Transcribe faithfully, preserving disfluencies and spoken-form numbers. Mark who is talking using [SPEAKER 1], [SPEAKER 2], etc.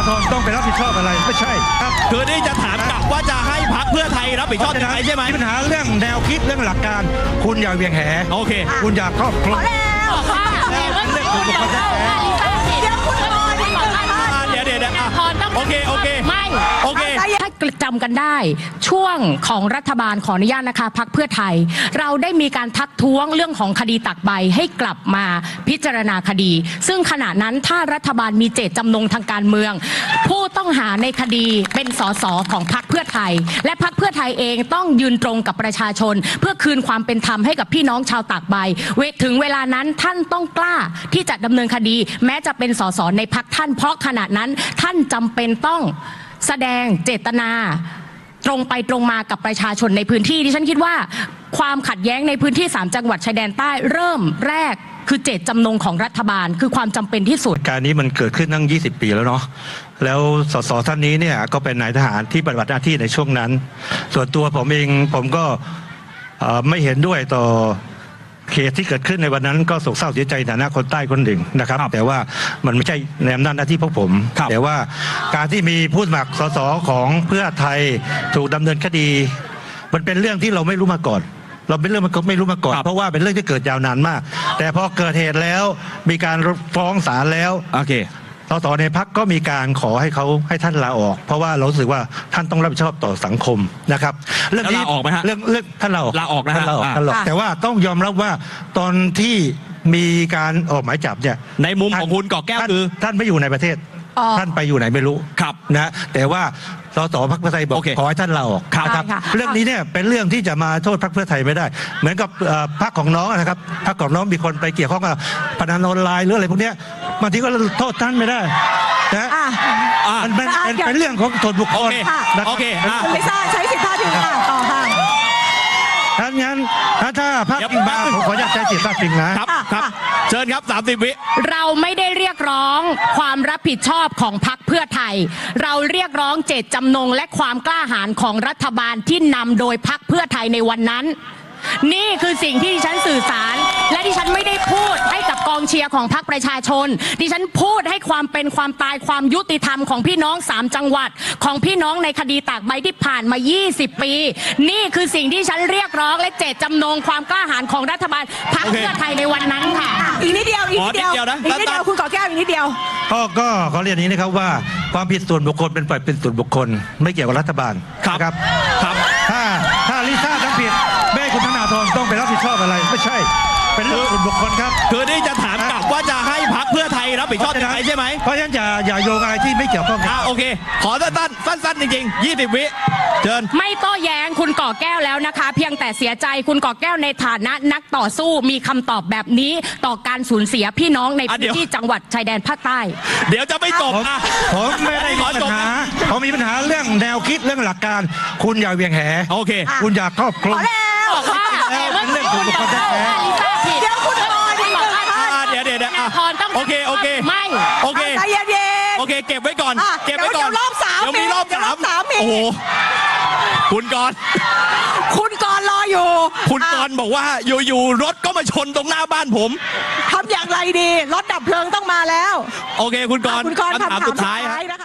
[SPEAKER 1] ธรต้องไปรับผิดชอบอะไรไม่ใช่ครับ
[SPEAKER 2] คือนี่จะถามกลับว่าจะให้พรรคเพื่อไทยรับผิดชอบยังไงใช่ไหม
[SPEAKER 1] มีปัญหาเรื่องแนวคิดเรื่องหลักการคุณอย่าเวียงแห
[SPEAKER 2] โอเค
[SPEAKER 1] คุณอย่าครอบคลุม
[SPEAKER 3] บอกว่าเรื่องส่วนบุคคลเดี๋ยวคุณพรดีบอกว่า
[SPEAKER 2] เดี๋ยวเดี๋ยวเดี๋ยว
[SPEAKER 3] พรต้อง
[SPEAKER 2] โอเคโอเค
[SPEAKER 3] ไม่
[SPEAKER 2] โอเค
[SPEAKER 3] ถ้าจำกันได้ช่วงของรัฐบาลขออนุญาตนะคะพรรคเพื่อไทยเราได้มีการทักท้วงเรื่องของคดีตักใบให้กลับมาพิจารณาคดี ซึ่งขณะนั้นถ้ารัฐบาลมีเจตจำนงทางการเมืองผู้ต้องหาในคดีเป็นสสของพรรคเพื่อไทยและพรรคเพื่อไทยเองต้องยืนตรงกับประชาชนเพื่อคืนความเป็นธรรมให้กับพี่น้องชาวตากใบถึงเวลานั้นท่านต้องกล้าที่จะดำเนินคดีแม้จะเป็นสสในพรรคท่านเพราะขณะนั้นท่านจำเป็นต้องแสดงเจตนาตรงไปตรงมากับประชาชนในพื้นที่ดิฉันคิดว่าความขัดแย้งในพื้นที่สามจังหวัดชายแดนใต้เริ่มแรกคือเจตจำนงของรัฐบาลคือความจำเป็นที่สุด
[SPEAKER 1] การนี้มันเกิดขึ้นตั้งยี่สิบปีแล้วเนาะแล้วสสท่านนี้เนี่ยก็เป็นนายทหารที่ปฏิบัติหน้าที่ในช่วงนั้นส่วนตัวผมเองผมก็ไม่เห็นด้วยต่อเหตุที่เกิดขึ้นในวันนั้นก็โศกเศร้าเสียใจในฐานะคนใต้คนหนึ่งนะครับแต่ว่ามันไม่ใช่ในอำนาจหน้าที่พวกผมแต่ว่าการที่มีผู้สมัครสสของเพื่อไทยถูกดำเนินคดีมันเป็นเรื่องที่เราไม่รู้มาก่อนเราเป็นเรื่องมันก็ไม่รู้มาก่อนเพราะว่าเป็นเรื่องที่เกิดยาวนานมากแต่พอเกิดเหตุแล้วมีการฟ้องศาลแล้ว
[SPEAKER 2] โอเค
[SPEAKER 1] สสในพรรคก็มีการขอให้เขาให้ท่านลาออกเพราะว่าเราสึกว่าท่านต้องรับผิดชอบต่อสังคมนะครับ
[SPEAKER 2] เรื่องนี้ลาออกไหมฮะ
[SPEAKER 1] เรื่องเรื่องท่านลาออก
[SPEAKER 2] ลาออกนะฮะ
[SPEAKER 1] ท่านลาออกแต่ว่าต้องยอมรับว่าตอนที่มีการออกหมายจับเนี่ย
[SPEAKER 2] ในมุมของคุณก่อแก้วคือ
[SPEAKER 1] ท่านไม่อยู่ในประเทศท่านไปอยู่ไหนไม่รู้
[SPEAKER 2] ครับ
[SPEAKER 1] นะแต่ว่าสสพรรคเพื่อไทยบอกขอให้ท่านลาออกนะครับเรื่องนี้เนี่ยเป็นเรื่องที่จะมาโทษพรรคเพื่อไทยไม่ได้เหมือนกับพรรคของน้องนะครับพรรคของน้องมีคนไปเกี่ยวข้องกับพนันออนไลน์หรืออะไรพวกนี้บางทีก็โทษท่านไม่ได้นะมันเป็นเป็นเรื่องของส่วนบุคคล
[SPEAKER 2] โอเค
[SPEAKER 4] คุณลิซ่าใช้สิทธิภาพถึงต่อค่ะ
[SPEAKER 1] ถ้างั้นถ้าถ้าพรรคพิงมาผมขออนุญาตใช้สิทธิภาพพิงนะครับ
[SPEAKER 2] ครับเชิญครับสามสิบวิ
[SPEAKER 3] เราไม่ได้เรียกร้องความรับผิดชอบของพรรคเพื่อไทยเราเรียกร้องเจตจำนงและความกล้าหาญของรัฐบาลที่นำโดยพรรคเพื่อไทยในวันนั้นนี่คือสิ่งที่ดิฉันสื่อสารและดิฉันไม่ได้พูดให้กับกองเชียร์ของพรรคประชาชนดิฉันพูดให้ความเป็นความตายความยุติธรรมของพี่น้องสามจังหวัดของพี่น้องในคดีตากใบที่ผ่านมายี่สิบปีนี่คือสิ่งที่ฉันเรียกร้องและเจตจำนงความกล้าหาญของรัฐบาลพรรคเพื่อไทยในวันนั้นค่ะ
[SPEAKER 4] อีกนิดเดียวอีกนิดเดียวอีกนิดเดียวคุณก่อแก้วอีกนิดเดียว
[SPEAKER 1] ก็ก็ขอเรียนนี้นะครับว่าความผิดส่วนบุคคลเป็นฝ่ายเป็นส่วนบุคคลไม่เกี่ยวกับรัฐบาล
[SPEAKER 2] ครับ
[SPEAKER 1] ครับ
[SPEAKER 2] ครับ
[SPEAKER 1] ถ้าถ้าลิซ่าทำผิดแม่คุณธนาธรต้องไปรับผิดชอบอะไรไม่ใช่เป็นเรื่องส่วนบุคคลครับ
[SPEAKER 2] คือนี่จะถามกลับว่าจะให้พรรคเพื่อไทยรับผิดชอบยังไงใช่ไหม
[SPEAKER 1] เพราะฉะนั้นอย่าอย่าโยงอะไรที่ไม่เกี่ยวข้องกัน
[SPEAKER 2] โอเคขอสั้นสั้นสั้นจริงๆยี่สิบวิเชิญ
[SPEAKER 3] ไม่โต้แย้งคุณก่อแก้วแล้วนะคะเพียงแต่เสียใจคุณก่อแก้วในฐานะนักต่อสู้มีคำตอบแบบนี้ต่อการสูญเสียพี่น้องในพื้นที่จังหวัดชายแดนภาคใต้
[SPEAKER 2] เดี๋ยวจะไม่จบอ่ะ
[SPEAKER 1] ผมไม่ได้มีปัญหาผมมีปัญหาเรื่องแนวคิดเรื่องหลักการคุณอย่าเวียงแห
[SPEAKER 2] โอเค
[SPEAKER 1] คุณอย่าครอบคลุม
[SPEAKER 3] บอกว่า
[SPEAKER 1] เป็นเรื่องส่วนบุคคลแท้
[SPEAKER 4] เดี๋ยวคุณพรดีบอกว่า
[SPEAKER 2] เดี๋ยวเดี๋ยวเดี๋ยว
[SPEAKER 3] พรต้อง
[SPEAKER 2] โอเคโอเค
[SPEAKER 3] ไม่
[SPEAKER 2] โอเค
[SPEAKER 4] ใจเย็น
[SPEAKER 2] โอเคเก็บไว้ก่อนเก็บไว้ก่อน
[SPEAKER 4] เดี๋ยวรอบสาม
[SPEAKER 2] เดี๋ยวมีรอบสามโอ้โหคุณกร
[SPEAKER 4] คุณกรรออยู่
[SPEAKER 2] คุณกรบอกว่าอยู่ๆรถก็มาชนตรงหน้าบ้านผม
[SPEAKER 4] ทำอย่างไรดีรถดับเพลิงต้องมาแล้ว
[SPEAKER 2] โอเคคุณกร
[SPEAKER 4] คุณกร
[SPEAKER 2] คำถามสุดท้าย